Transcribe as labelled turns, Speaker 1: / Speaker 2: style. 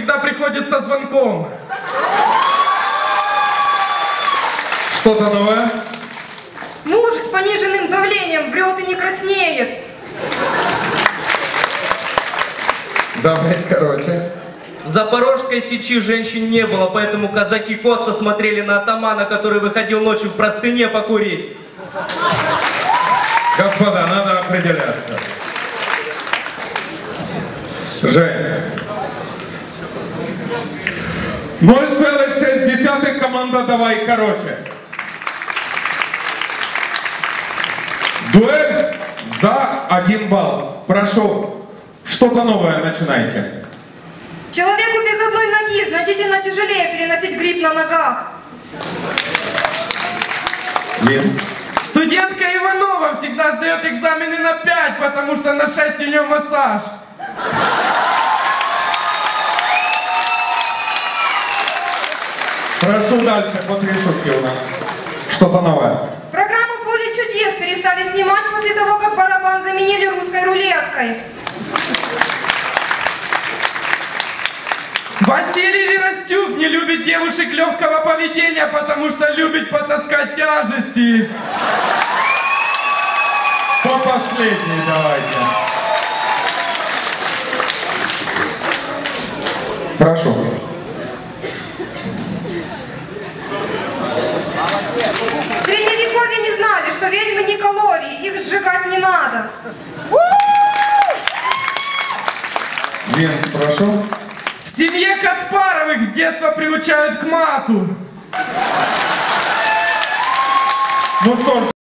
Speaker 1: всегда приходит со звонком.
Speaker 2: Что-то новое?
Speaker 3: Муж с пониженным давлением врет и не краснеет.
Speaker 2: Давай, короче.
Speaker 4: В Запорожской сечи женщин не было, поэтому казаки косо смотрели на атамана, который выходил ночью в простыне покурить.
Speaker 2: Господа, надо определяться. Жень. 0,6 команда «Давай короче». Дуэль за 1 балл. Прошу, что-то новое начинайте.
Speaker 3: Человеку без одной ноги значительно тяжелее переносить грипп на ногах.
Speaker 2: Линз.
Speaker 1: Студентка Иванова всегда сдает экзамены на 5, потому что на 6 у нее массаж.
Speaker 2: Прошу дальше, по 3 шутки у нас. Что-то новое.
Speaker 3: Программу «Поле чудес» перестали снимать после того, как барабан заменили русской рулеткой.
Speaker 1: Василий Веростюк не любит девушек легкого поведения, потому что любит потаскать тяжести.
Speaker 2: По последней давайте. Прошу.
Speaker 3: В Средневековье не знали, что ведьмы не калории, их сжигать не надо.
Speaker 2: Линз, прошу.
Speaker 1: В семье Каспаровых с детства приучают к мату.
Speaker 2: Ну что ж,